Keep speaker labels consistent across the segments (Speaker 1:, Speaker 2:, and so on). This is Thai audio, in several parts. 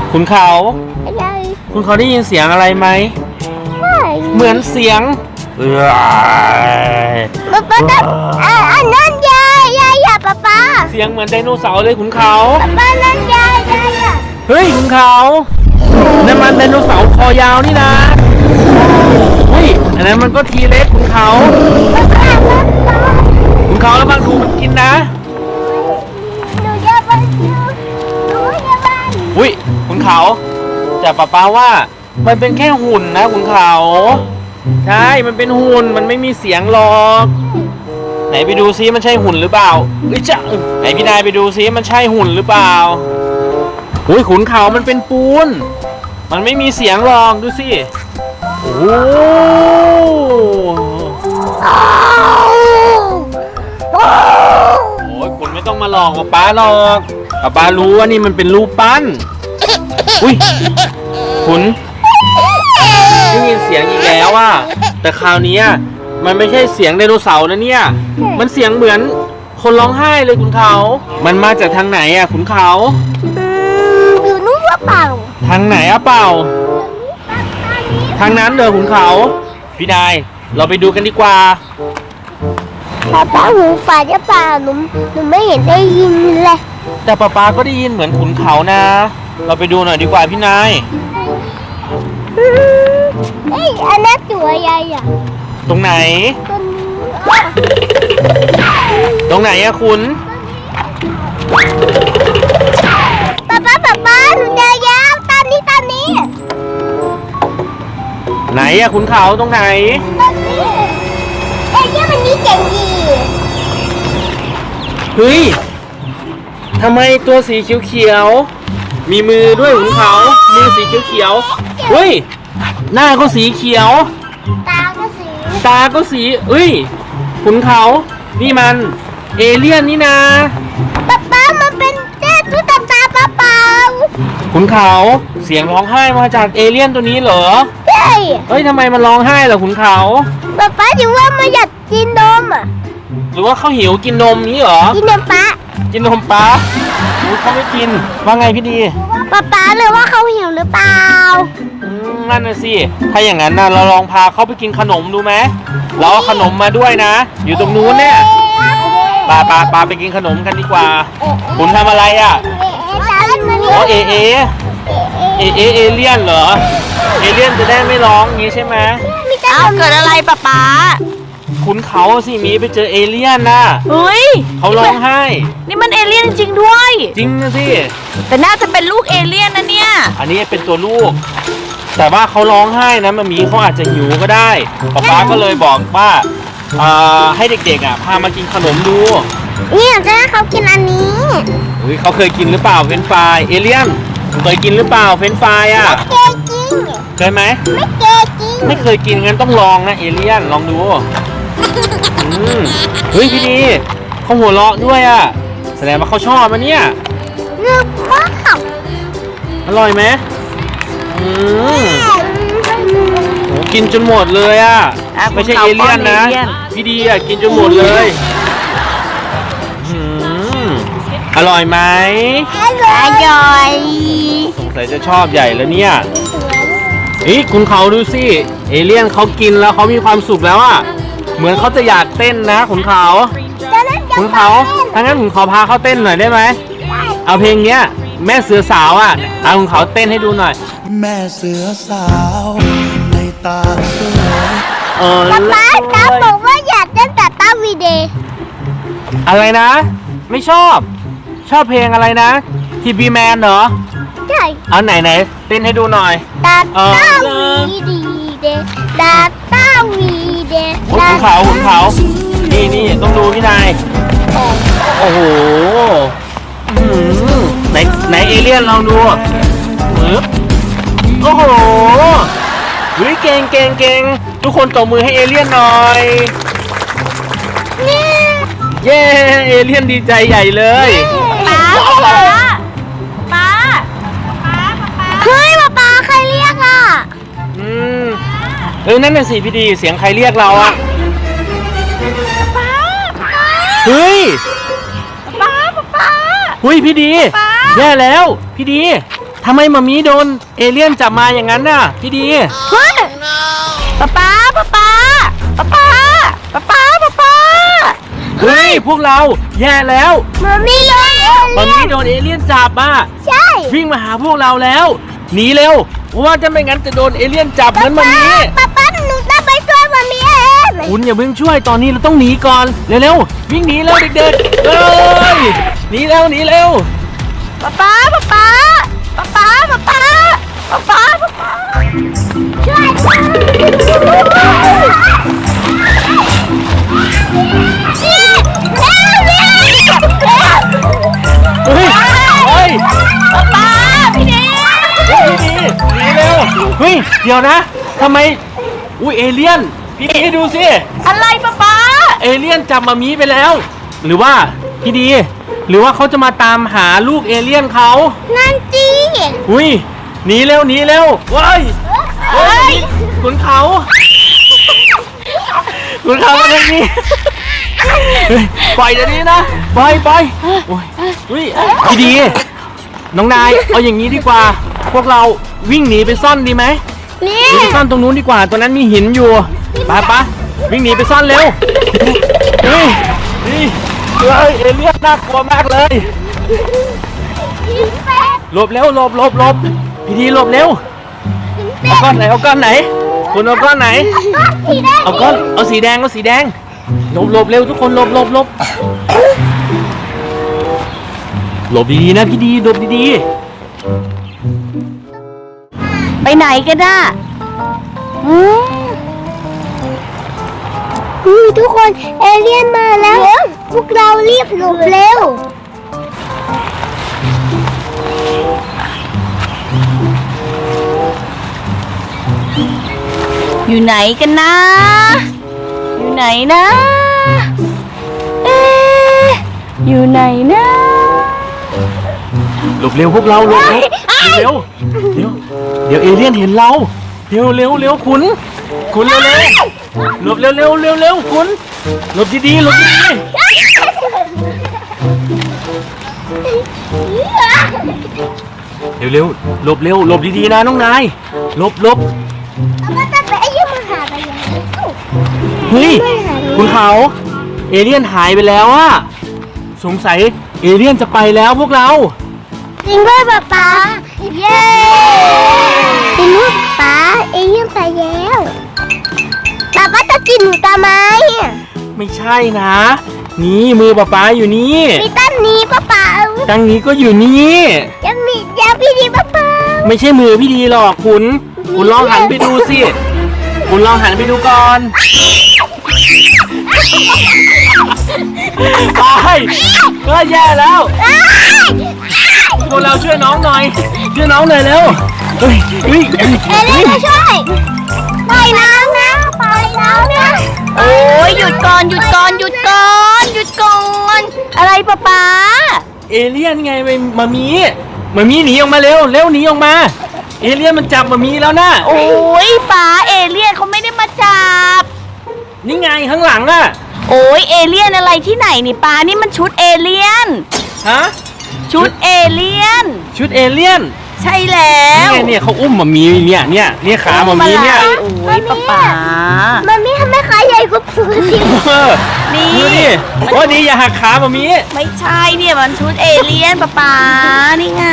Speaker 1: คุณเขา
Speaker 2: อะไร
Speaker 1: คุณเขาได้ยินเสียงอะไรไหม
Speaker 2: ไม่
Speaker 1: เหมือนเสียง
Speaker 2: ป๊าอันนั้นยายอย่าป๊า
Speaker 1: เสียงเหมือนไดโนเสาร์เลยคุณเขา
Speaker 2: ป๊านั่นยายอ่ะ
Speaker 1: เฮ้ยคุณเขานั่นมันไดโนเสาร์คอยาวนี่นะเฮ้ยอันนั้นมันก็ทีเล็กคุณเขาคุณเขาแล้วบางดูมันกินนะ
Speaker 2: หนูจะไป
Speaker 1: อุ้ยคุณเขาแต่ป้าว่ามันเป็นแค่หุ่นนะคุณเขาใช่มันเป็นหุ่นมันไม่มีเสียงหรอกไหนไปดูซิมันใช่หุ่นหรือเปล่าจ้ะไหนพี่นายไปดูซิมันใช่หุ่นหรือเปล่าอุ้ยขุนเขามันเป็นปูนมันไม่มีเสียงหรอกดูสิโอ้โอ้ยคุณไม่ต้องมาหลอกป้าหรอกป้ารู้ว่านี่มันเป็นรูปปั้นอุ้ยคุณได้ยินเสียงอีกแล้วอ่ะแต่คราวนี้มันไม่ใช่เสียงไดโนเสาร์นะเนี่ยมันเสียงเหมือนคนร้องไห้เลยคุณเขามันมาจากทางไหนอ่ะคุณเขา
Speaker 2: อยู่นู้นว่าเปล่า
Speaker 1: ทางไหนอะเปล่าทางนั้นเด้อคุณเขาพี่นายเราไปดูกันดีกว่า
Speaker 2: ป๊าหูฝาดจะเปล่าหนูไม่เห็นได้ยินเลย
Speaker 1: แต่ป้าก็ได้ยินเหมือนขุนเขานะเราไปดูหน่อยดีกว่าพี่นาย
Speaker 2: เอ้ยอันนั้นตัวใหญ่อะ
Speaker 1: ตรงไหนตรงไหนอะคุณ
Speaker 2: ป๊าหนูเจอยาวตอนนี้
Speaker 1: ไหนอะขุนเขาตรงไหน
Speaker 2: ตอนนี้เอ้ยมันนี่เจ๋งดี
Speaker 1: เฮ้ยทำไมตัวสีเขียวๆมีมือด้วยขุนเขามือสีเขียวๆเฮ้ยหน้าก็สีเขียว
Speaker 2: ตาก็
Speaker 1: สีเอ้ยขุนเขานี่มันเอเลี่ยนนี่นะ
Speaker 2: ป๊ามันเป็นเจ้าตุ๊กตาเปล่า
Speaker 1: ขุนเขาเสียงร้องไห้มาจากเอเลี่ยนตัวนี้เหรอ
Speaker 2: ใช่
Speaker 1: เฮ้ยทำไมมันร้องไห้ล่ะขุนเขา
Speaker 2: ป๊าถือว่ามันอยากกินนมอ่ะ
Speaker 1: หรือว่าเขาหิวกินนมนี้เหรอ
Speaker 2: กินนมป๊า
Speaker 1: เขาไม่กินว่าไงพี่ดี
Speaker 2: ป๊าเลยว่าเขาหิวหรือเปล่า
Speaker 1: นั่นน่ะสิถ้าอย่างนั้นนะเราลองพาเขาไปกินขนมดูไหมเราเอาขนมมาด้วยนะอยู่ตรงนู้นเนี่ยปาไปกินขนมกันดีกว่าคุณทำอะไรอ่ะอ๋อเอเลี่ยนเหรอเอเลี่ยนจะได้ไม่ร้องงี้ใช่ไหม
Speaker 3: เกิดอะไรป๊า
Speaker 1: ขุนเขาสิมีไปเจอเอเลี่ยนนะ
Speaker 3: เฮ้ย
Speaker 1: เขาร้องไห้
Speaker 3: นี่มันเอเลี่ยนจริงด้วย
Speaker 1: จริงนะสิ
Speaker 3: แต่น่าจะเป็นลูกเอเลี่ยนนะเนี่ย
Speaker 1: อันนี้เป็นตัวลูกแต่ว่าเขาร้องไห้นะมันมีเขาอาจจะหิวก็ได้ป๊าก็เลยบอกว่าให้เด็กๆพามากินขนมดู
Speaker 2: นี่จะให้เขากินอันนี้
Speaker 1: เขาเคยกินหรือเปล่าเฟรนช์ฟรายเอเลี่ยนเคยกินหรือเปล่าเฟรนช์ฟราย
Speaker 2: เคยกิน
Speaker 1: เคยไหมไม่เคยกินงั้นต้องลองนะเอเลี่ยนลองดูเฮ้ยพี่ดีเขาหัวเราะด้วยแสดงว่าเขาชอบมันเนี่ย
Speaker 2: เนื้อมาก
Speaker 1: อร่อยไหมกินจนหมดเลยไม่ใช่เอเลี่ยนนะพี่ดีกินจนหมดเลยอร่อยไหม
Speaker 2: อร่อย
Speaker 1: สงสัยจะชอบใหญ่แล้วเนี่ยคุณเขาดูสิเอเลี่ยนเขากินแล้วเขามีความสุขแล้วเหมือนเขาจะอยากเต้นนะขุนเขาถ้างั้นขุนเขาพาเขาเต้นหน่อยได้ไหมเอาเพลงเนี้ยแม่เสือสาวเอาขุนเขาเต้นให้ดูหน่อย
Speaker 4: แม่เสือสาวในตาสวย
Speaker 2: ป๊าบอกว่าอยากเต้นแต่ต้าวีเดย์
Speaker 1: อะไรนะไม่ชอบเพลงอะไรนะทีบีแมนเหรอ
Speaker 2: ใช่
Speaker 1: เอาไหนเต้นให้ดูหน่อย
Speaker 2: ตาวีเดย์ตาวีเดย์
Speaker 1: ขุนเขานี่ต้องดูพี่นายโอ้โหไหนเอเลี่ยนลองดูโอ้โหเก่งทุกคนตบมือให้เอเลี่ยนหน่อยเย้เอเลี่ยนดีใจใหญ่เลย
Speaker 3: ป๊า
Speaker 2: เฮ้ยป๊าใครเรียก
Speaker 1: นั่นน่ะสิพี่ดีเสียงใครเรียกเราเฮ้ย
Speaker 3: ป๊า
Speaker 1: เฮ้ยพี่ดีแย่แล้วพี่ดีทำไมมามีโดนเอเลี่ยนจับมาอย่างนั้นน่ะพี่ดี
Speaker 3: เฮ้ยป๊าป๊าป๊าป๊าป๊าป๊าป๊าป๊าป๊าป๊า
Speaker 1: เฮ้ยพวกเราแย่แล้ว
Speaker 2: มามีเลย
Speaker 1: มามีโดนเอเลี่ยนจับมา
Speaker 2: ใช่
Speaker 1: วิ่งมาหาพวกเราแล้วหนีเร็วเพราะว่าจะไม่งั้นจะโดนเอเลี่ยนจับเหมือนมามี
Speaker 2: ป๊าหนูต้องไปช่วยมามีเอง
Speaker 1: คุณอย่าเพิ่งช่วยตอนนี้เราต้องหนีก่อนเร็วๆวิ่งหนีแล้วเด็กๆเอ้ยหนีเร็ว
Speaker 3: ป๊าป๊าป๊าป๊าป๊าป๊าป๊าป๊าป๊าป๊าป๊าป๊า
Speaker 2: ช่วยเร็ว
Speaker 1: เฮ้ย
Speaker 3: ป๊าป๊าพี่เน
Speaker 1: พี่ดีหนีเร็วเฮ้ยเดี๋ยวนะทำไมอุ้ยเอเลี่ยนพี่ดีดูสิ
Speaker 3: อะไรป๊าป๊า
Speaker 1: เอเลี่ยนจับมามีไปแล้ว หรือว่าพี่ดี หรือว่าเขาจะมาตามหาลูกเอเลี่ยนเขา
Speaker 2: นั่นจี
Speaker 1: อุ้ยหนีเร็วว้ายเฮ้ยขุนเขาขุนเขามาทางนี้เฮ้ยปล่อยเดี๋ยวนี้นะปล่อยโอ้ยอุ้ยพี่ดี น้องนายเอาอย่างนี้ดีกว่า พวกเราวิ่งหนีไปซ่อนดีไหม
Speaker 2: นี่
Speaker 1: หนีไปซ่อนตรงนู้นดีกว่าตรงนั้นมีหินอยู่ไปวิ่งหนีไปซ่อนเร็วนี่เฮ้ยเอเลี่ยนน่ากลัวมากเลยหลบเร็วหลบพี่ดีหลบเร็วเอาก้อนไหนคุณเอาก้อนไหน
Speaker 2: สีแดง
Speaker 1: เอาสีแดงหลบเร็วทุกคนหลบหลบดีๆนะพี่ดีหลบดี
Speaker 3: ไปไหนกันน่ะ
Speaker 2: ทุกคนเอเลี่ยนมาแล้ว พวกเรารีบหลบเร็ว
Speaker 3: อยู่ไหนกันนะ อยู่ไหนนะ เอ๊ะอยู่ไหนนะ
Speaker 1: ๆหลบเร็วพวกเราหลบเร็วเดี๋ยวเอเลี่ยนเห็นเราเร็วคุณเร็วหลบเร็วคุณหลบดีๆเร็วหลบดีๆนะน้องนายหลบ
Speaker 2: มันจะไปยุ่งมาหาไปยังไง
Speaker 1: เฮ้ยคุณเขาเอเลี่ยนหายไปแล้วอะสงสัยเอเลี่ยนจะไปแล้วพวกเรา
Speaker 2: จริงด้วยป๊าเย้จริงด้วยป๊าเอเลี่ยนไปแล้วป๊าจะกินหนูทำไม
Speaker 1: ไม่ใช่นะ นี่มือป๊าอยู่นี่
Speaker 2: มีตั้งนี้ป๊า
Speaker 1: ตั้งนี้ก็อยู่นี่
Speaker 2: ยังมียาพี่ดีป๊า
Speaker 1: ไม่ใช่มือพี่ดีหรอกคุณลองหันไปดูสิคุณลองหันไปดูก่อนไปก็แย่แล้วพวกเราช่วยน้องหน่อยเร็วเฮ้ย
Speaker 2: เอเลี่ยนมาช่วยปล่อยน้ำนะปล่อยน้ำนะ
Speaker 3: โอ้ยหยุดก่อนอะไรป๊าป๊า
Speaker 1: เอเลี่ยนไงมามีหนีออกมาเร็วหนีออกมา เอเลี่ยนมันจับมามีแล้วนะ
Speaker 3: โอ้ยป๊าเอเลี่ยนเขาไม่ได้มาจับ
Speaker 1: นี่ไงข้างหลังอะ
Speaker 3: โอ้ยเอเลี่ยนอะไรที่ไหนนี่ป๊านี่มันชุดเอเลี่ยน
Speaker 1: ฮะ
Speaker 3: ชุดเอเลี่ยน
Speaker 1: ชุดเอเลี่ยน
Speaker 3: ใช่แล้ว
Speaker 1: เนี่ยเขาอุ้มมามีเนี่ยขามามีเนี่ย
Speaker 3: โอ้ยป๊าป๊า
Speaker 2: มันมีทำไมขาใหญ่กว่าปกติ
Speaker 3: นี่
Speaker 1: ดูดิโอ้ดีอย่าหักขามามี
Speaker 3: ไม่ใช่เนี่ยมันชุดเอเลี่ยนป๊าป๊านี่ไง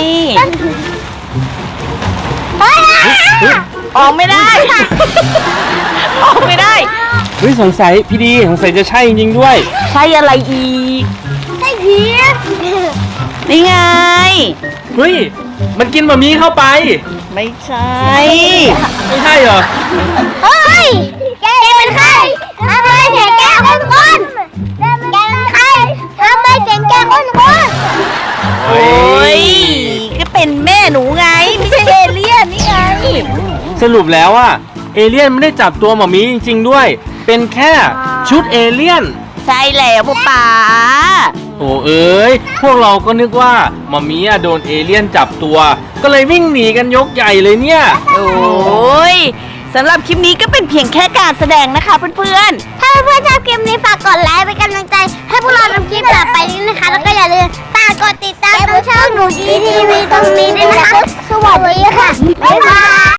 Speaker 3: ออกไม่ได้ ออกไม่ได้
Speaker 1: เฮ้ยสงสัยพี่ดีสงสัยจะใช่จริงๆด้วย
Speaker 3: ใช่อะไรอีก
Speaker 2: ไอ้ผี
Speaker 3: นี่ไง
Speaker 1: เฮ้ยมันกินมามีเข้าไป
Speaker 3: ไม่ใช่
Speaker 1: ไม่ใช่เหรอ
Speaker 2: เฮ้ยแกเป็นใครทำไมเสียงแกคนแกเป็นใครทำไมเสียงแกคน
Speaker 3: โอ้ยก็เป็นแม่หนูไง ไม่ใช่เอเลี่ยนนี่ไง
Speaker 1: สรุปแล้วอะเอเลี่ยนไม่ได้จับตัวหมามีจริงๆด้วย เป็นแค่ชุดเอเลี่ยน
Speaker 3: ใช่แล้วป๊าป๊า
Speaker 1: โอ้เอ้ยพวกเราก็นึกว่าหมามีอะโดนเอเลี่ยนจับตัว ก็เลยวิ่งหนีกันยกใหญ่เลยเนี่ย
Speaker 3: โอ้ยสำหรับคลิปนี้ก็เป็นเพียงแค่การแสดงนะคะเพื่อนๆ
Speaker 2: ถ้าเพื่อนๆชอบคลิปนี้ฝากกดไลค์เป็นกำลังใจ ให้พวกเราทำคลิปต่อไปนี้นะคะ แล้วก็อย่าลืมฝากกดติดตามตรงช่องหนูดีทีวีตรงนี้ด้วยนะคะสวัสดีค่ะบ๊ายบาย